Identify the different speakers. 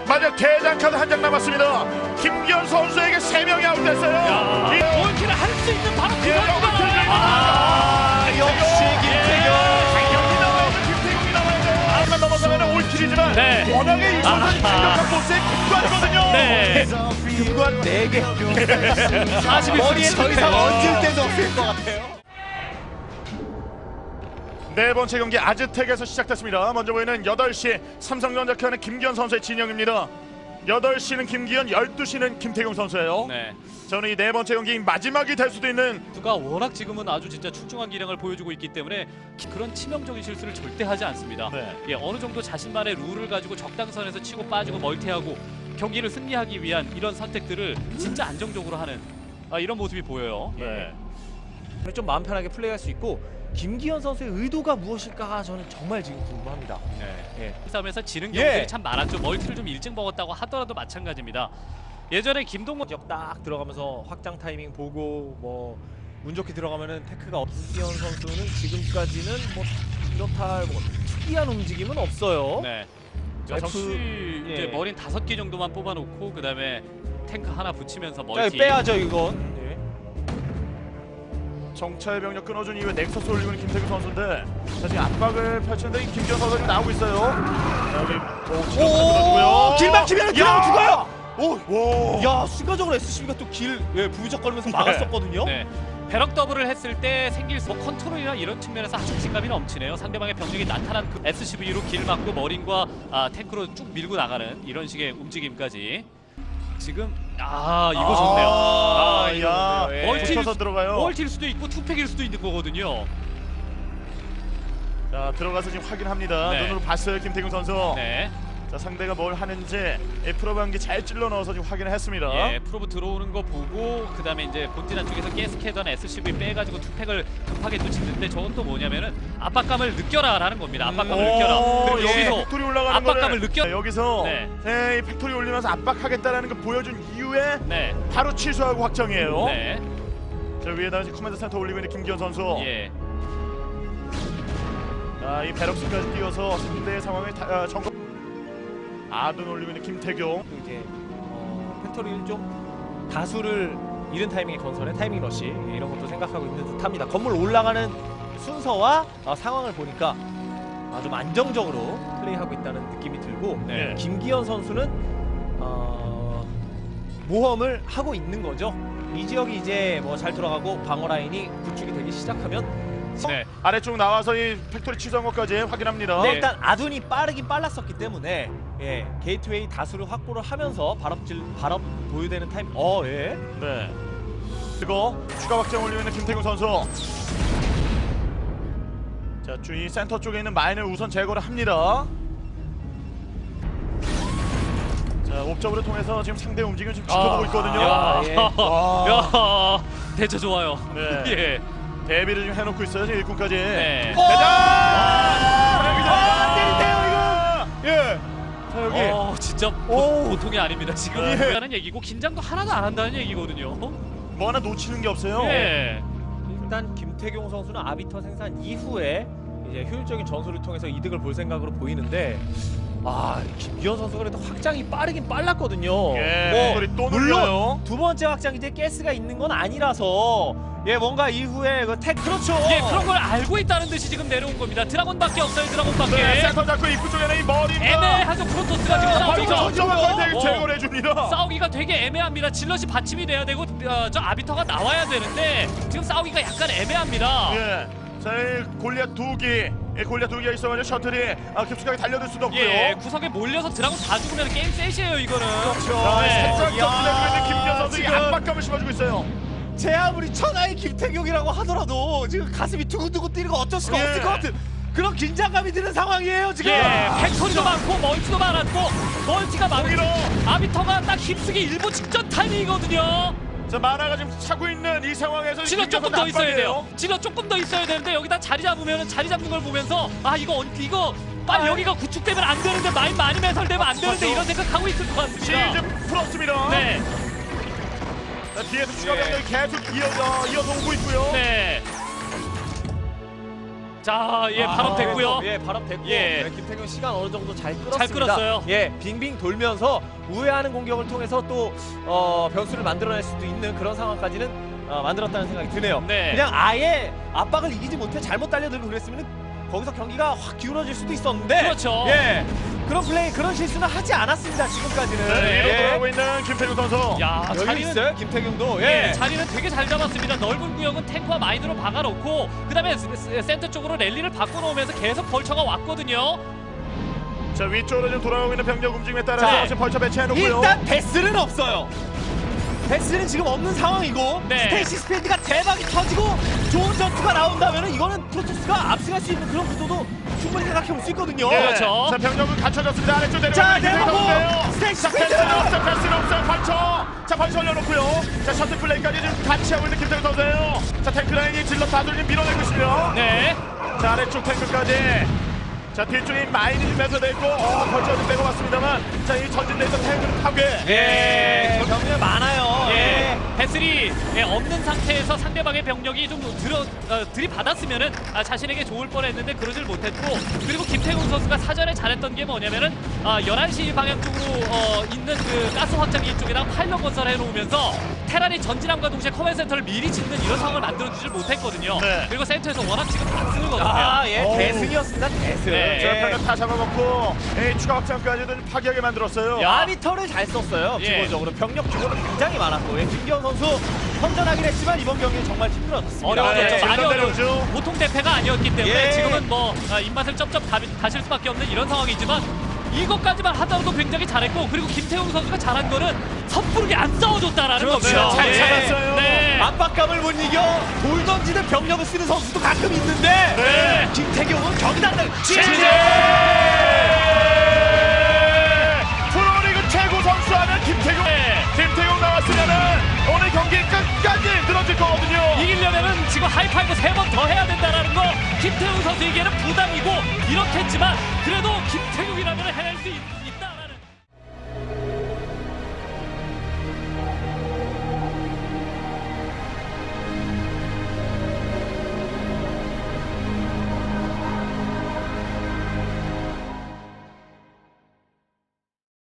Speaker 1: 마지막 대장 카드 한 장 남았습니다. 김기현 선수에게 3명이 아웃됐어요.
Speaker 2: 골키를 할 수 있는 바로 그
Speaker 3: 역시 김태경.
Speaker 1: 경기 나와야죠. 김태경이 나와야죠. 안만 넘어서면 올킬이지만
Speaker 2: 네.
Speaker 1: 워낙에 이 선수는 강력한 보스의 금관이거든요.
Speaker 2: 네.
Speaker 3: 금관 4개.
Speaker 2: 40일
Speaker 3: 머리에 더 이상 얹을 데도 없을 것 같아요.
Speaker 1: 네 번째 경기 아즈텍에서 시작됐습니다. 먼저 보이는 8시 삼성전자 켜는 김기현 선수의 진영입니다. 8시는 김기현, 12시는 김태경 선수예요.
Speaker 2: 네.
Speaker 1: 저는 이 네 번째 경기 마지막이 될 수도 있는
Speaker 2: 선수가 워낙 지금은 아주 진짜 출중한 기량을 보여주고 있기 때문에 그런 치명적인 실수를 절대 하지 않습니다.
Speaker 1: 네.
Speaker 2: 예, 어느 정도 자신만의 룰을 가지고 적당선에서 치고 빠지고 멀티하고 경기를 승리하기 위한 이런 선택들을 진짜 안정적으로 하는 이런 모습이 보여요.
Speaker 1: 네.
Speaker 3: 좀 마음 편하게 플레이할 수 있고 김기현 선수의 의도가 무엇일까 저는 정말 지금 궁금합니다.
Speaker 2: 네. 이 싸움에서 지는
Speaker 3: 예.
Speaker 2: 경우들이 참 많았죠. 멀티를 좀 일찍 먹었다고 하더라도 마찬가지입니다. 예전에 김동건
Speaker 3: 지역 딱 들어가면서 확장 타이밍 보고 뭐 운 좋게 들어가면은 테크가 김기현 선수는 지금까지는 뭐 이렇다 뭐 특이한 움직임은 없어요.
Speaker 2: 네.
Speaker 3: F,
Speaker 2: 역시
Speaker 3: 예.
Speaker 2: 이제 머린 5개 정도만 뽑아놓고 그 다음에 탱크 하나 붙이면서
Speaker 3: 자,
Speaker 2: 멀티.
Speaker 3: 이거 빼야죠 이건. 예.
Speaker 1: 정찰 병력 끊어준 이후에 넥서스 올리고 있는 김태경 선수인데 자, 지금 압박을 펼치는데 이 김기현 선수가 지금 나오고 있어요. 자, 여기
Speaker 3: 오, 길 막히면 그냥 죽어요.
Speaker 1: 오,
Speaker 3: 야, 순간적으로 SCB가 또 길 부유적거리면서 막았었거든요.
Speaker 2: 네. 배럭 더블을 했을 때 생길 뭐 컨트롤이나 이런 측면에서 아주 자신감이 넘치네요. 상대방의 병력이 나타난 그 SCV로 길 막고 머린과 탱크로 쭉 밀고 나가는 이런 식의 움직임까지. 지금 이거 좋네요.
Speaker 1: 야,
Speaker 3: 좋네요. 예.
Speaker 2: 멀티
Speaker 1: 붙어서 들어가요.
Speaker 2: 멀티일 수도 있고 투팩일 수도 있는 거거든요.
Speaker 1: 자, 들어가서 지금 확인합니다.
Speaker 2: 네.
Speaker 1: 눈으로 봤어요, 김태경 선수.
Speaker 2: 네.
Speaker 1: 자, 상대가 뭘 하는지 프로브 한개 잘 찔러 넣어서 지금 확인을 했습니다.
Speaker 2: 예, 프로브 들어오는 거 보고 그다음에 이제 본진 안쪽에서 가스캐던 SCV 빼가지고 투팩을 급하게 또 짓는데 저건 또 뭐냐면은 압박감을 느껴라라는 겁니다. 압박감을 느껴라. 그리고
Speaker 1: 예,
Speaker 2: 여기서
Speaker 1: 팩토리 올라가는
Speaker 2: 압박감을
Speaker 1: 거를
Speaker 2: 느껴.
Speaker 1: 여기서
Speaker 2: 네.
Speaker 1: 이 팩토리 올리면서 압박하겠다라는 걸 보여준 이후에
Speaker 2: 네.
Speaker 1: 바로 취소하고 확정이에요.
Speaker 2: 네.
Speaker 1: 자, 위에다가 지금 커맨드 센터 올리고 있는 김기현 선수.
Speaker 2: 예.
Speaker 1: 자, 이 베럭스까지 뛰어서 상대의 상황을 점검. 아둔 올리고 있는 김태경.
Speaker 3: 이제 펜터리를 좀 다수를 이른 타이밍에 건설해 타이밍 러시 이런 것도 생각하고 있는 듯합니다. 건물 올라가는 순서와 상황을 보니까 좀 안정적으로 플레이하고 있다는 느낌이 들고
Speaker 2: 네.
Speaker 3: 김기현 선수는 모험을 하고 있는 거죠. 이 지역이 이제 뭐 잘 돌아가고 방어 라인이 구축이 되기 시작하면
Speaker 2: 네.
Speaker 1: 아래쪽 나와서 이 팩토리 취소한 것까지 확인합니다.
Speaker 3: 네, 일단 아둔이 빠르긴 빨랐었기 때문에 게이트웨이 다수를 확보를 하면서 발업 보유되는 타임 예.
Speaker 1: 네. 그리고 추가 확장 올리고 있는 김태경 선수. 자, 주위 센터 쪽에 있는 마인을 우선 제거를 합니다. 자, 옵저브를 통해서 지금 상대 움직임을 지금 지켜보고 있거든요.
Speaker 2: 야,
Speaker 3: 예.
Speaker 2: 야, 대처 좋아요.
Speaker 1: 네.
Speaker 2: 예.
Speaker 1: 대비를 좀 해놓고 있어요, 지금 일꾼까지.
Speaker 2: 네.
Speaker 1: 대장! 때리세요, 이거! 예. 자, 여기.
Speaker 2: 진짜 보통이 아닙니다. 지금
Speaker 1: 예.
Speaker 2: 하는 얘기고 긴장도 하나도 안 한다는 얘기거든요.
Speaker 1: 뭐 하나 놓치는 게 없어요.
Speaker 2: 예.
Speaker 3: 일단 김태경 선수는 아비터 생산 이후에 이제 효율적인 전술을 통해서 이득을 볼 생각으로 보이는데 김기현 선수가 그래도 확장이 빠르긴 빨랐거든요.
Speaker 1: 예, 팩토리 또
Speaker 3: 물론
Speaker 1: 눌러요.
Speaker 3: 두 번째 확장 이제 가스가 있는 건 아니라서 뭔가 이후에 그렇죠.
Speaker 2: 예, 그런 걸 알고 있다는 듯이 지금 내려온 겁니다. 드라곤밖에 없어요. 드라곤밖에.
Speaker 1: 네, 센터 잡고 입구 쪽에는 이 머리가.
Speaker 2: 애매하죠. 프로토스가 지금
Speaker 1: 바로
Speaker 2: 싸우죠.
Speaker 1: 저쪽으로 제거를 해줍니다.
Speaker 2: 싸우기가 되게 애매합니다. 질럿이 받침이 돼야 되고 저 아비터가 나와야 되는데 지금 싸우기가 약간 애매합니다.
Speaker 1: 예. 자, 이 골리앗 2기. 골리앗 2기가 있어가지고 셔틀이 급속하게 달려들 수도 없고요.
Speaker 2: 예, 구석에 몰려서 드라곤 다 죽으면 게임 셋이에요. 이거는.
Speaker 1: 자,
Speaker 2: 네.
Speaker 1: 살짝
Speaker 3: 야,
Speaker 1: 격투되고 있는 김기현 선수
Speaker 3: 지금.
Speaker 1: 압박감을 심어주고 있어요.
Speaker 3: 제 아무리 천하의 김태경이라고 하더라도 지금 가슴이 두근두근 뛰는 거 어쩔 수가
Speaker 1: 예.
Speaker 3: 없을 것 같은 그런 긴장감이 드는 상황이에요 지금.
Speaker 2: 예, 팩토리도 많고 멀티도 많았고 멀티가
Speaker 1: 거기로.
Speaker 2: 많고 아비터가 딱 휩쓰기 일보 직전 타이밍이거든요.
Speaker 1: 자, 마나가 지금 차고 있는 이 상황에서
Speaker 2: 질러
Speaker 1: 김기현
Speaker 2: 조금
Speaker 1: 선수
Speaker 2: 더 있어야
Speaker 1: 압박이에요.
Speaker 2: 돼요. 질러 조금 더 있어야 되는데 여기다 자리 잡으면 자리 잡는 걸 보면서 이거 빨리 여기가 구축되면 안 되는데 마인 많이 매설되면 안 되는데
Speaker 1: 맞죠.
Speaker 2: 이런 생각하고 있을 것 같습니다.
Speaker 1: 시즌 풀었습니다.
Speaker 2: 네,
Speaker 1: 자, 뒤에서 추가 병력이 계속 이어서 오고 있고요.
Speaker 2: 네. 자, 예, 발업 됐고요.
Speaker 3: 예, 발업 됐고.
Speaker 2: 예.
Speaker 3: 네, 김태경 시간 어느 정도 잘 끌었습니다.
Speaker 2: 잘 끌었어요.
Speaker 3: 예, 빙빙 돌면서 우회하는 공격을 통해서 또 변수를 만들어낼 수도 있는 그런 상황까지는 만들었다는 생각이 드네요.
Speaker 2: 네.
Speaker 3: 그냥 아예 압박을 이기지 못해 잘못 달려들고 그랬으면 거기서 경기가 확 기울어질 수도 있었는데.
Speaker 2: 그렇죠.
Speaker 3: 예, 그런 플레이, 그런 실수는 하지 않았습니다. 지금까지는.
Speaker 1: 네, 위로
Speaker 3: 예.
Speaker 1: 돌아오고 있는 김태균 선수.
Speaker 2: 야,
Speaker 3: 여유
Speaker 2: 자리는
Speaker 3: 있어요, 김태경도.
Speaker 2: 예,
Speaker 3: 예.
Speaker 2: 자리는 되게 잘 잡았습니다. 넓은 구역은 탱크와 마인으로 박아놓고 그다음에 센터 쪽으로 랠리를 바꿔놓으면서 계속 벌처가 왔거든요.
Speaker 1: 자, 위쪽으로 좀 돌아오고 있는 병력 움직임에 따라서
Speaker 2: 자,
Speaker 1: 지금 벌쳐 배치해놓고요.
Speaker 3: 일단 베스는 없어요. 베스는 지금 없는 상황이고
Speaker 2: 네.
Speaker 3: 스테이시 스피드가 대박이 터지고 좋은 전투가 나온다면 이거는 프로토스가 압승할 수 있는 그런 구도도 충분히 생각해 볼 수 있거든요.
Speaker 1: 네.
Speaker 2: 그렇죠.
Speaker 1: 자, 병력은 갖춰졌습니다. 아래쪽
Speaker 3: 자,
Speaker 1: 내려가는
Speaker 3: 내려가고 스테이시
Speaker 1: 자,
Speaker 3: 스피드!
Speaker 1: 패스는 없어요. 패스는 없어요. 벌쳐. 자, 벌쳐 올려놓고요. 자, 셔틀 플레이까지 지금 같이 하고 있는 김태균 선수예요. 자, 탱크 라인이 질러 다들 밀어내고 있으며.
Speaker 2: 네.
Speaker 1: 자, 아래쪽 탱크까지. 자, 뒤쪽에 마인이 좀 매서되고 벌쳐 좀 빼고 왔습니다만, 자, 이 전진돼 있던 탱크는 파괴.
Speaker 3: 예, 병력 많아요.
Speaker 2: 예, 배슬이 없는 상태에서 상대방의 병력이 좀 들이받았으면은 자신에게 좋을 뻔했는데 그러질 못했고, 그리고 김태훈 선수가 사전에 잘했던 게 뭐냐면은 11시 방향 쪽으로 있는 그 가스 확장기 쪽에다가 파일럿 건설해 놓으면서 테란이 전진함과 동시에 커맨 센터를 미리 짓는 이런 상황을 만들어주질 못했거든요.
Speaker 1: 네.
Speaker 2: 그리고 센터에서 워낙 지금 다 쓰는 거거든요.
Speaker 3: 아, 예,
Speaker 1: 어우.
Speaker 3: 대승이었습니다. 대승.
Speaker 2: 네.
Speaker 1: 자, 병력 다 잡아먹고 추가 확장까지도 좀 파괴하게 만들었어요.
Speaker 2: 야.
Speaker 3: 마니터를 잘 썼어요.
Speaker 2: 예.
Speaker 3: 기본적으로 병력 규모는 굉장히 많았고, 예, 김기현 선수 선전하긴 했지만 이번 경기는 정말 힘들었습니다.
Speaker 2: 어려워졌죠.
Speaker 1: 네,
Speaker 2: 많이
Speaker 1: 일단
Speaker 2: 어려웠죠.
Speaker 1: 내려오죠.
Speaker 2: 보통 대패가 아니었기 때문에
Speaker 3: 예.
Speaker 2: 지금은 뭐 입맛을 쩝쩝 다실 수밖에 없는 이런 상황이지만 이것까지만 하더라도 굉장히 잘했고, 그리고 김태훈 선수가 잘한 거는 섣부르게 안 싸워줬다라는
Speaker 3: 그렇죠.
Speaker 2: 거죠.
Speaker 1: 잘
Speaker 2: 예.
Speaker 1: 잡았어요.
Speaker 2: 네.
Speaker 3: 압박감을 못 이겨 돌 던지는 병력을 쓰는 선수도 가끔 있는데
Speaker 1: 네.
Speaker 3: 김태경은 경단을
Speaker 1: 프로리그 최고 선수 하면 김태균.
Speaker 2: 네.
Speaker 1: 김태균 나왔으면은 오늘 경기 끝까지 늘어질 거거든요.
Speaker 2: 이기려면은 지금 하이파이브 3번 더 해야 된다라는 거 김태훈 선수에게는 부담이고 이렇겠지만 그래도 김태균이라면 해낼 수 있는